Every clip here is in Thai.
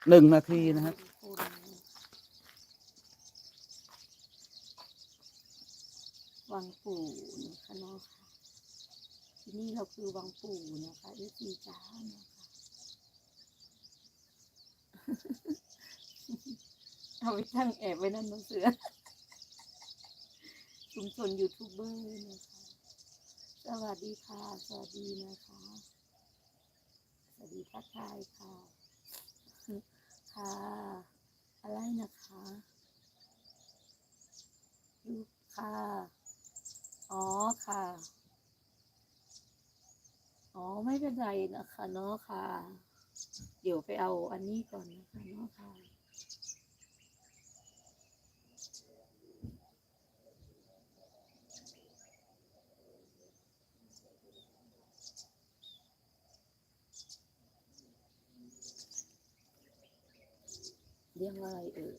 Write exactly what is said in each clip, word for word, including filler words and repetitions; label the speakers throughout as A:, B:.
A: หนึ่งนาทีนะครับ
B: วังปู่นะคะเนาะที่นี่เราคือวังปู่นะคะเอฟซีจ้านะคะเอาไปตั้งแอบไว้นั่นน้องเสือชุมชนยูทูบเบอร์นะคะสวัสดีค่ะสวัสดีนะคะสวัสดีทักทายค่ะค่ะอะไรนะคะลูกค่ะอ๋อค่ะอ๋อไม่เป็นไรนะคะเนาะค่ะเดี๋ยวไปเอาอันนี้ก่อนนะคะเนาะค่ะเรียกว่าอะไรเอ่ย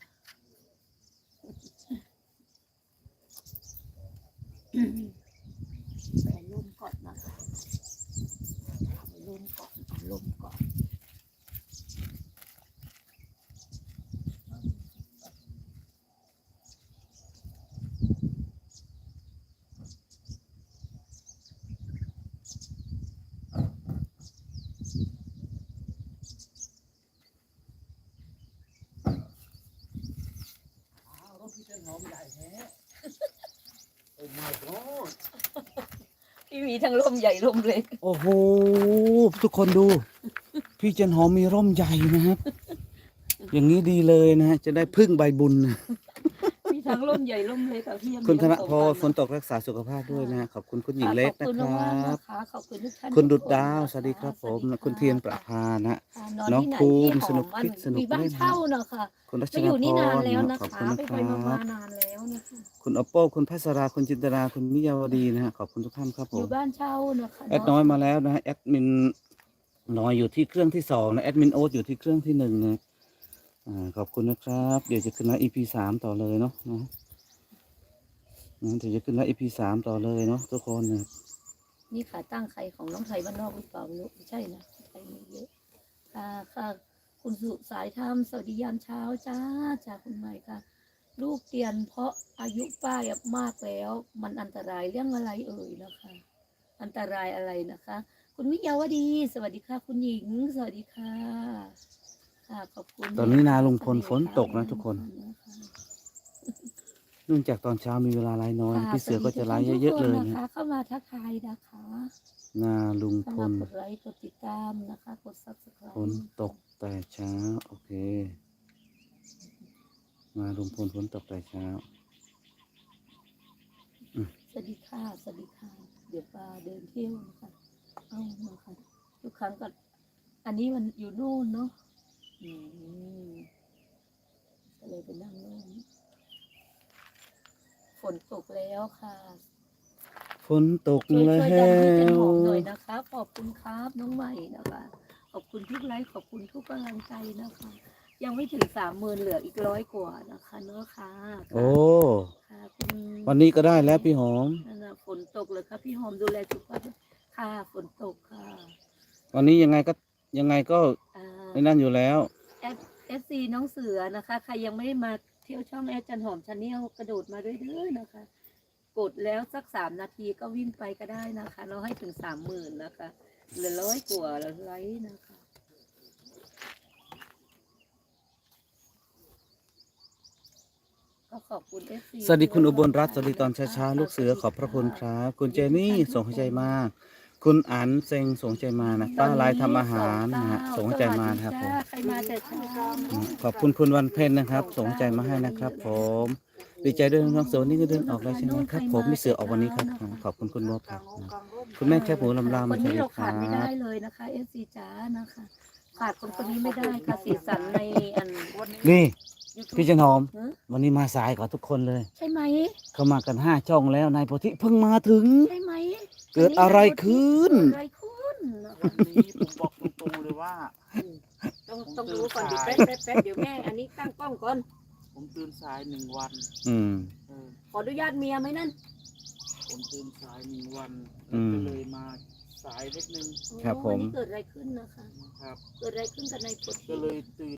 B: ไปลมก่อนนะคะไปลมก่อนลมก่อน
A: รถพี่เจ้าหอมใหญ่แท้โอ้ my god
B: ที่มีทั้งลมใหญ่ลมเล็ก
A: โอ้โหทุกคนดู พี่เจนหอมมีร่มใหญ่นะครับ อย่างนี้ดีเลยนะฮะจะได้พึ่งใบบุญนะ
B: มีทั้งลมใหญ่ลมเล็กค่ะพี่ยังมี
A: คุณธน
B: ทั้งสอง
A: พร
B: อั
A: ฝนตกรักษาสุขภาพด้วยนะฮะขอบคุณคุณหญิง
B: ค่ะ
A: เล็ก
B: ขอบ
A: นะ
B: คุณ
A: คร
B: มากั
A: บ
B: นะคะขอบคุณทุกท่าน
A: คุณดุด
B: ทุกน
A: ดาว
B: นะคะ
A: สวัสดีครับผม
B: สวัสดี
A: คุณ
B: ค่ะ
A: เทียนประภานะ
B: ค่ะนอน
A: น้อง
B: ที่ไหน
A: ภู
B: พี่
A: มิ
B: ห
A: ส
B: อ
A: นุ
B: ม
A: ก
B: มัน
A: คิดสนุก
B: มีบ้าน
A: เล่น
B: เช่า
A: ฮะ
B: เนาะค่ะ
A: คุณรัช
B: มา
A: น
B: อยู่
A: พ
B: นี่นาน
A: ร
B: แล้วนะ
A: ขอบ
B: คะ
A: คุณนะ
B: ไป
A: ค
B: ไป
A: รั
B: มา
A: บ
B: ๆนานแล้วนะคะ
A: คุณอปโป้คุณพัสราคุณจินตราคุณมิยาวดีนะฮะขอบคุณทุกท่านครับผ
B: อยู่
A: ม
B: บ้านเช่านะคะ
A: แอด
B: เนาะ
A: น้อยมาแล้วนะฮะแอดมินน้อยอยู่ที่เครื่องที่สองนะแอดมินโอ๊ตอยู่ที่เครื่องที่หนึ่งนะอ่าขอบคุณนะครับเดี๋ยวจะขึ้นไลฟ์ อี พี สามต่อเลยเนาะนะนะเดี๋ยวจะขึ้นไลฟ์ อี พี สามต่อเลยเนาะทุกคนนะ
B: นี่ขาตั้งใครของน้องไทยบ้านนอกหรือเปล่าไม่รู้ไม่ใช่นะไทยมีเยอะค่ะค่ะคุณสุสายธรรมสวัสดียามเช้าจ้าจากคุณใหม่ค่ะ ลูกเตียนเพราะอายุป้ายมากแล้ว มันอันตรายเรื่องอะไรเอ่ยนะคะ อันตรายอะไรนะคะ คุณวิยาวดี สวัสดีค่ะ คุณหญิง สวัสดีค่ะค่ะขอบคุณ
A: ตอนนี้นาลุงพล
B: เส
A: ฝนตกนะทุกคน เนื่องจากตอนเช้ามีเวลาไลฟ์น้อย
B: ค่ะ
A: พี่เสือก็จะไลฟ์
B: สวัสดี
A: เยอะๆเลย
B: ทุกคน
A: นะ
B: นะคะ เข้ามาทักทายนะคะ
A: นาลุงพ
B: เข้ามา
A: ล
B: กดไลค์กดติดตามนะคะ กด subscribe
A: ฝนตกแต่เช้าโอเคนาลุงพลฝนตกแต่เช้า
B: สวัสดีค่ะสวัสดีค่ะ เดี๋ยวปลาเดินเที่ยวนะคะเอานะคะทุกครั้งก็อันนี้มันอยู่นู่นเนาะอืมก็เลยไปนั่งนู่นฝนตกแล้วค่ะ
A: ฝนตก
B: ช่วย
A: แล้
B: ช่วยดันให้จันหอมห
A: ว
B: น่อยนะคะ ขอบคุณครับน้องใหม่นะคะ ขอบคุณทุกไลค์ขอบคุณทุกกำลังใจนะคะ ยังไม่ถึงสามหมื่นเหลืออีกร้อยกว่านะคะเนาะค่ะ
A: โอ้
B: ค่ะคุณ
A: วันนี้ก็ได้แล้วพี่หอม
B: นั่นน่ะฝนตกเลยค่ะพี่หอมดูแลสุขภาพค่ะฝนตกค่ะ
A: วันนี้ยังไงก็ยังไงก็
B: อ่า
A: ไม่นั่นอยู่แล้ว
B: เอฟเอฟซีน้องเสือนะคะ ใครยังไม่ได้มาเที่ยวช่องแอดจันหอมชาแนลกระโดดมาด้วยเด้อนะคะ กดแล้วสักสามนาทีก็วิ่งไปก็ได้นะคะ เราให้ถึงสามหมื่นนะคะเหลือร้อยกว่าแล้วไลค์นะคะก็ขอบคุณเอฟซี
A: สวัสดีคุณอุบลรัตน์สวัสดีตอนเช้าๆลูกเสือขอบพระคุณครับ คุณเจนี่ส่งใจมาก คุณอันเซงส่งใจมานะป้าลายทำอาหารนะฮะส่งใจมานะครับผม
B: ใครมาแต่เช้า
A: ขอบคุณคุณวันเพ็ญนะครับ ส่งใจมาให้นะครับผมดีใจด้วยน้องเสือวันนี้ก็เดินออกแล้วใช่ไหมครับผมมีเสือออกวันนี้ครับขอบคุณคุณบัวผักนะคุณแม่แคบหมูลำลา
B: ค
A: มาน สวัส
B: นี้
A: ดี
B: เรา
A: ค
B: ขา
A: รั
B: ดไม่ได้
A: บ
B: เลยนะคะเอฟซีจ๋านะคะขาดคนคนนี้ไม่ได้ค่ะสีสันในอัน
A: นี่
B: YouTube
A: พี่จันหอม
B: ฮะ
A: วันนี้มาสายกว่าทุกคนเลย
B: ใช่ไหม
A: เขามากันห้าช่องแล้วนายโพธิเพิ่งมาถึง
B: ใช่ไหม
A: เกิดอะไรขึ้น
B: เกิดอะไรขึ้นนะคะ
C: วันนี้ผมบอกตรงๆเลยว่า
B: ต้องต้องรู้ก่อนเดี๋ยวแป๊บแป๊บแป๊บเดี๋ยวแม่อันนี้ตั้งกล้องก่อน
C: ผมตื่นสายหนึ่งวัน
A: อืม
C: เออ
B: ขออนุญาตเมียไหมนั่น
C: ผมตื่นสายหนึ่งวัน
A: อืม
C: ก็เลยมาสายนิดนึง
A: ครับผม
B: โอ้นี่เกิดอะไรขึ้นนะคะ
C: ครับ
B: เกิดอะไรขึ้นกับในกฎ
C: ก็เลยตื่น